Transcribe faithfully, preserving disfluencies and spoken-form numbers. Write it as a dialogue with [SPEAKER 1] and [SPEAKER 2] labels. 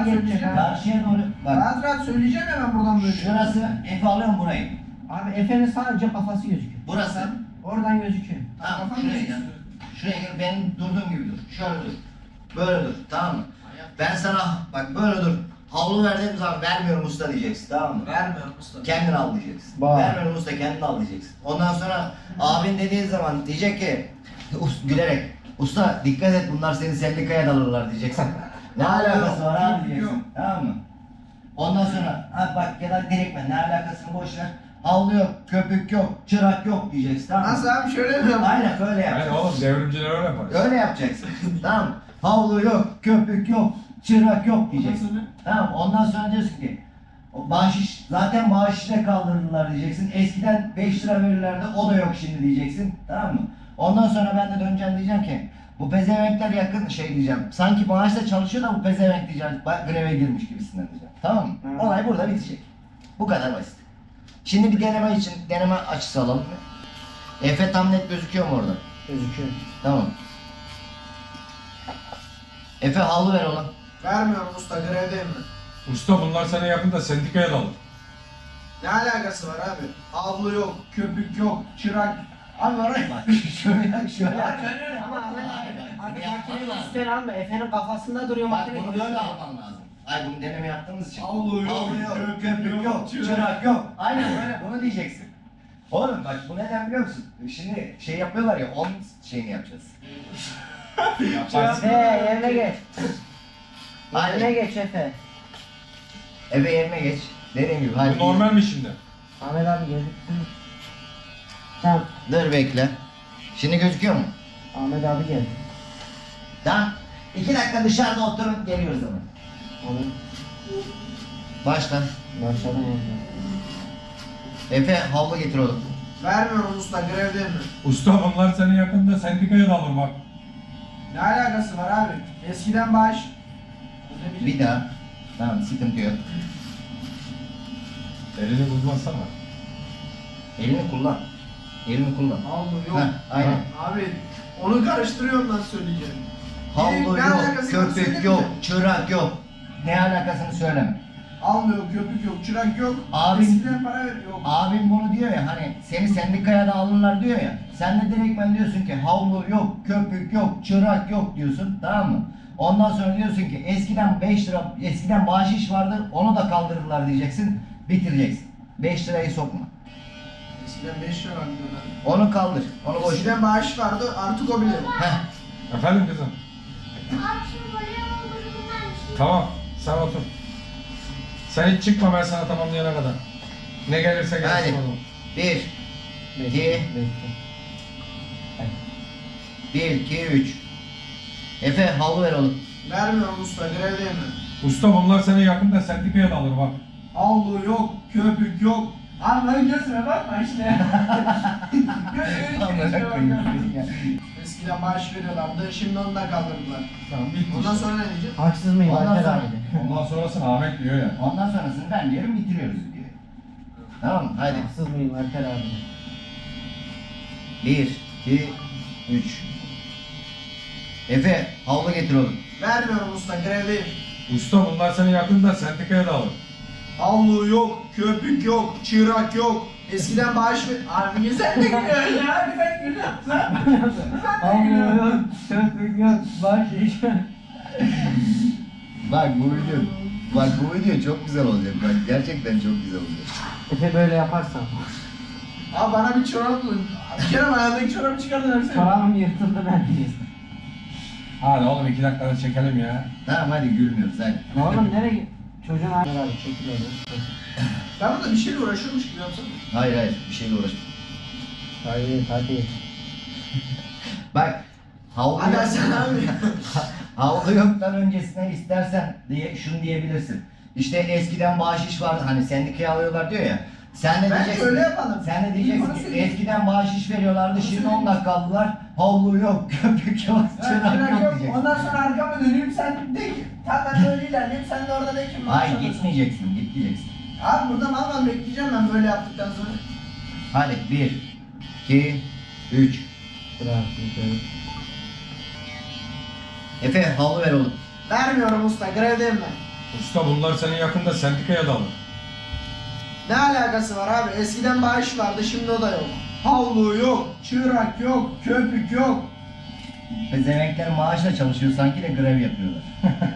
[SPEAKER 1] rahat söyleyeceğim.
[SPEAKER 2] Karşıya doğru. Bak.
[SPEAKER 1] Rahat rahat söyleyeceğim hemen buradan böyle.
[SPEAKER 2] Şurası Efe alıyorum burayı.
[SPEAKER 3] Abi Efe'nin sadece kafası gözüküyor.
[SPEAKER 2] Burası.
[SPEAKER 3] Oradan gözüküyor.
[SPEAKER 2] Tamam
[SPEAKER 1] Kafam
[SPEAKER 2] şuraya
[SPEAKER 1] gözüküyor.
[SPEAKER 2] gel. Şuraya gel. Benim durduğum gibi dur. Şöyle dur. Böyle dur. Tamam mı? Ben sana bak böyle dur. Havlu verdiğim zaman vermiyorum usta diyeceksin. Tamam mı?
[SPEAKER 1] Vermiyorum usta.
[SPEAKER 2] Kendin al diyeceksin.
[SPEAKER 3] Bak.
[SPEAKER 2] Vermiyorum usta kendin al diyeceksin. Ondan sonra abin dediği zaman diyecek ki us- gülerek usta dikkat et bunlar seni sendikaya dalırlar diyeceksin. Ne alakası var abi diyeceksin. Tamam mı? Ondan sonra ha bak ya da direktmen ne alakasını boş ver. Havlu yok, köpük yok, çırak yok diyeceksin. Tamam mı?
[SPEAKER 1] Nasıl abi şöyle mi yapayım?
[SPEAKER 2] Aynen böyle
[SPEAKER 4] Yani
[SPEAKER 2] yapacaksın.
[SPEAKER 4] oğlum devrimciler öyle yapar.
[SPEAKER 2] Öyle yapacaksın. Tamam mı? Havlu yok, köpük yok, çırak yok
[SPEAKER 1] Ondan
[SPEAKER 2] diyeceksin.
[SPEAKER 1] sonra?
[SPEAKER 2] Tamam mı? Ondan sonra diyorsun ki o bahşiş zaten bahşişle kaldırdılar diyeceksin. Eskiden beş lira verirlerdi o da yok şimdi diyeceksin. Tamam mı? Ondan sonra ben de döneceğim diyeceğim ki bu pezevenkler yakın şey diyeceğim. Sanki maaşla çalışıyor da bu pezevenk diyeceğim. Bak greve girmiş gibisinden diyeceğim. Tamam mı?
[SPEAKER 3] Hı.
[SPEAKER 2] Olay burada bitecek. Bu kadar basit. Şimdi bir deneme için deneme açısı alalım mı? Efe tam net gözüküyor mu orada?
[SPEAKER 3] Gözüküyor.
[SPEAKER 2] Tamam. Efe havlu ver oğlum.
[SPEAKER 1] Vermiyorum usta grevdeyim ben.
[SPEAKER 4] Usta bunlar sana yakında sendikaya dalır.
[SPEAKER 1] Ne alakası var abi? Havlu yok, köpük yok, çırak. Abi var ya.
[SPEAKER 2] Bak şöyle şöyle.
[SPEAKER 3] Ama abi,
[SPEAKER 2] Hayır,
[SPEAKER 3] abi
[SPEAKER 2] yapman
[SPEAKER 3] makinenin
[SPEAKER 2] lazım.
[SPEAKER 3] üstten alma. Efe'nin kafasında duruyor
[SPEAKER 2] Bak
[SPEAKER 3] makine.
[SPEAKER 2] bunu böyle alman lazım. Ay bunu deneme yaptığımız için.
[SPEAKER 1] Havlu yok,
[SPEAKER 2] köpük
[SPEAKER 1] köpük
[SPEAKER 2] yok,
[SPEAKER 1] yok,
[SPEAKER 2] çırak
[SPEAKER 1] çırak
[SPEAKER 2] yok. Aynen böyle bunu diyeceksin. Oğlum bak bu neden biliyor musun? Şimdi şey yapıyorlar ya on şeyini yapacağız.
[SPEAKER 3] Efe yerine geç. Yerine
[SPEAKER 2] Aynen.
[SPEAKER 3] geç Efe.
[SPEAKER 2] Eve yerine geç. Dediğim gibi hadi.
[SPEAKER 4] Bu normal mi şimdi?
[SPEAKER 3] Ahmet abi gözüktü. Tamam.
[SPEAKER 2] Dur bekle. Şimdi gözüküyor mu?
[SPEAKER 3] Ahmet abi geldi.
[SPEAKER 2] Tamam. İki dakika dışarıda oturun geliyoruz ama.
[SPEAKER 3] Ahmet.
[SPEAKER 2] Başla.
[SPEAKER 3] Başladım orada.
[SPEAKER 2] Efe havlu getir oğlum.
[SPEAKER 1] Vermiyorum usta grevdeyim ben.
[SPEAKER 4] Usta bunlar seni yakında sendikaya dalır bak.
[SPEAKER 1] Ne alakası var abi? Eskiden bağış.
[SPEAKER 2] Bir daha. Tamam sıkıntı yok.
[SPEAKER 4] Elini buzmasana.
[SPEAKER 2] Elini kullan. Elini kullan.
[SPEAKER 1] Havlu yok.
[SPEAKER 2] Heh, aynen.
[SPEAKER 1] Abi onu karıştırıyorum nasıl söyleyeceğim.
[SPEAKER 2] Havlu
[SPEAKER 1] Ne
[SPEAKER 2] yok,
[SPEAKER 1] alakası var,
[SPEAKER 2] köpük
[SPEAKER 1] söyleme.
[SPEAKER 2] yok, çırak yok. Ne alakasını söyleme.
[SPEAKER 1] Havlu yok, köpük yok, çırak yok.
[SPEAKER 2] Abi-
[SPEAKER 1] Eskiden para ver yok.
[SPEAKER 2] Abim bunu diyor ya hani seni sendikaya da alırlar diyor ya. Sen de direktmen diyorsun ki havlu yok, köpük yok, çırak yok diyorsun tamam mı? Ondan sonra diyorsun ki eskiden beş lira, eskiden bahşiş vardı onu da kaldırdılar diyeceksin. Bitireceksin. beş lirayı sokma.
[SPEAKER 1] Eskiden beş lira vardı diyorlar.
[SPEAKER 2] Onu kaldır. Onu boş ver.
[SPEAKER 1] Eskiden bağış vardı artık o bile yok.
[SPEAKER 2] Heh.
[SPEAKER 4] Efendim kızım? Tamam sen otur. Sen hiç çıkma ben sana tamamlayana kadar. Ne gelirse gelsin
[SPEAKER 2] Hadi.
[SPEAKER 4] oğlum.
[SPEAKER 2] Bir, iki,
[SPEAKER 3] Bekle.
[SPEAKER 2] bir, iki, üç. Efe havlu ver oğlum.
[SPEAKER 1] Vermiyorum usta grevdeyim ben.
[SPEAKER 4] Usta bunlar seni yakında sendikaya dalır bak.
[SPEAKER 1] Havlu yok, köpük yok. Abi lan gözüme bakma işte.
[SPEAKER 2] Amına koyayım ya.
[SPEAKER 1] Eskiden maaş veriyorlardı, şimdi onu da kaldırdılar.
[SPEAKER 4] Tamam bitti.
[SPEAKER 1] Ondan sonra ne diyeceğim?
[SPEAKER 3] Haksız mıyım
[SPEAKER 2] Ondan
[SPEAKER 3] Alper
[SPEAKER 2] sonra-
[SPEAKER 3] abi de?
[SPEAKER 4] Ondan sonrasını Ahmet diyor ya.
[SPEAKER 2] Ondan sonrasını ben diyorum bitiriyoruz diyor. Tamam mı? Hadi.
[SPEAKER 3] Haksız mıyım Alper abi de?
[SPEAKER 2] Bir, iki, üç. Efe havlu getir oğlum.
[SPEAKER 1] Vermiyorum usta grevdeyim.
[SPEAKER 4] Usta bunlar seni yakında sendikaya dalır.
[SPEAKER 1] Havlu yok, köpük yok, çırak yok. Eskiden bağış ver... Abi sen de gülüyorsun ya, hadi ben gülüyorum. Sen sen de gülüyorsun.
[SPEAKER 3] Köpük yok. Bahşiş.
[SPEAKER 2] Bak bu video, bak bu video çok güzel olacak. Bak gerçekten çok güzel olacak.
[SPEAKER 3] Efe böyle yaparsan.
[SPEAKER 1] Abi bana bir çorap bulun. Bir kere ayağındaki çorabı çıkardın versene.
[SPEAKER 3] Çorabım yırtıldı ben diye.
[SPEAKER 4] Hadi oğlum iki dakikada çekelim ya.
[SPEAKER 2] Tamam hadi gülmüyoruz hadi.
[SPEAKER 3] Oğlum nereye? Çocuğun Alper abi çekil orada.
[SPEAKER 1] Ben burada bir şeyle uğraşıyormuş gibi yapsana.
[SPEAKER 2] Hayır hayır bir şeyle uğraşma.
[SPEAKER 3] Hayır hadi.
[SPEAKER 2] Bak havlu
[SPEAKER 1] Hadi
[SPEAKER 2] yok.
[SPEAKER 1] sen abi.
[SPEAKER 2] Havlu yoktan öncesine istersen diye şunu diyebilirsin. İşte eskiden bahşiş vardı hani sendikaya alıyorlar diyor ya. Sen de
[SPEAKER 1] Bence
[SPEAKER 2] diyeceksin.
[SPEAKER 1] öyle yapalım.
[SPEAKER 2] Sen de
[SPEAKER 1] Bana
[SPEAKER 2] diyeceksin ki
[SPEAKER 1] söyle.
[SPEAKER 2] eskiden bahşiş veriyorlardı
[SPEAKER 1] Bana
[SPEAKER 2] şimdi
[SPEAKER 1] söyle.
[SPEAKER 2] on dakika aldılar. Havlu yok, köpük yok,
[SPEAKER 1] Ha,
[SPEAKER 2] çırak
[SPEAKER 1] çırak
[SPEAKER 2] yok
[SPEAKER 1] yok.
[SPEAKER 2] diyeceksin.
[SPEAKER 1] Ondan sonra arkama döneyim sen de ki. Tamam ben böyle ilerleyeyim sen de orada de ki.
[SPEAKER 2] Hayır gitmeyeceksin, gitmeyeceksin.
[SPEAKER 1] Abi burada mal mal bekleyeceğim ben böyle yaptıktan sonra.
[SPEAKER 2] Hadi bir, iki, üç.
[SPEAKER 3] Bırak.
[SPEAKER 2] Efe havlu ver oğlum.
[SPEAKER 1] Vermiyorum usta grevdeyim ben.
[SPEAKER 4] Usta bunlar senin yakında sendikaya da alır.
[SPEAKER 1] Ne alakası var abi? Eskiden bağış vardı, şimdi o da yok. Havlu yok, çırak yok, köpük yok.
[SPEAKER 2] Pezevenkler maaşla çalışıyor sanki de grev yapıyorlar.